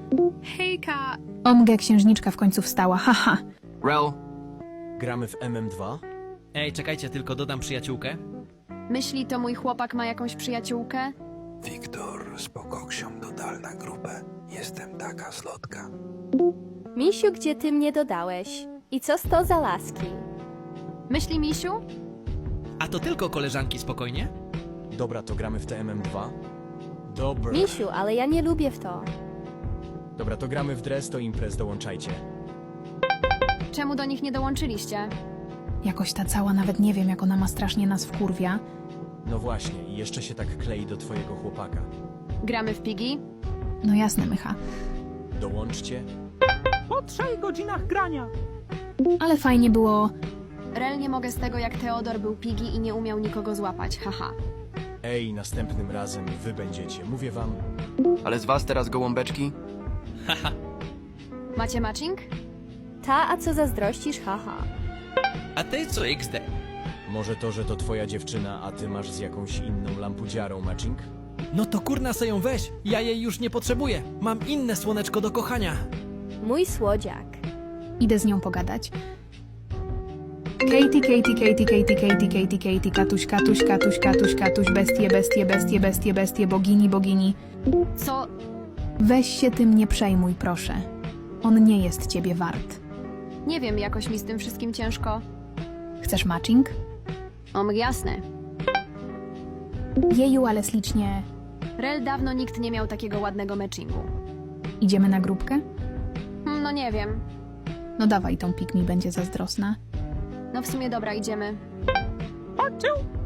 Hejka! Omge, księżniczka w końcu wstała, haha. Rel, Gramy w MM2? Ej, czekajcie, tylko dodam przyjaciółkę. Myśli, to mój chłopak ma jakąś przyjaciółkę? Wiktor, z pokoksią dodal na grupę. Jestem taka slotka. Misiu, gdzie ty mnie dodałeś? I co to za laski? Myśli, misiu? A to tylko koleżanki, spokojnie? Dobra, to gramy w te MM2? Dobra. Misiu, ale ja nie lubię w to. Dobra, to gramy w Dress to Imprez, dołączajcie. Czemu do nich nie dołączyliście? Jakoś ta cała, nawet nie wiem, jak ona ma strasznie nas wkurwia. No właśnie, i jeszcze się tak klei do twojego chłopaka. Gramy w Pigi? No jasne, Mycha. Dołączcie. Po 3 godzinach grania. Ale fajnie było. Rel, nie mogę z tego, jak Teodor był Pigi i nie umiał nikogo złapać, haha. Ej, następnym razem wy będziecie, mówię wam. ale z was teraz gołąbeczki? Macie matching? Ta, a co zazdrościsz, haha. A ty co XD? Może to, że to twoja dziewczyna, a ty masz z jakąś inną lampudziarą matching? No to kurna se ją weź, ja jej już nie potrzebuję. Mam inne słoneczko do kochania. Mój słodziak. Idę z nią pogadać. Katie, Katie, Katie, Katie, Katie, Katie, Katie, Katuś, Katuś, Katuś, Katuś, Katuś, bestie, bestie, bestie, bestie, bestie, bogini, bogini. Co? Weź się tym nie przejmuj, proszę. On nie jest ciebie wart. Nie wiem, jakoś mi z tym wszystkim ciężko. Chcesz matching? Jasne. Jeju, ale ślicznie. Rel, dawno nikt nie miał takiego ładnego matchingu. Idziemy na grupkę? No nie wiem. No dawaj, tą pik mi będzie zazdrosna. No w sumie dobra, idziemy. Patrzył,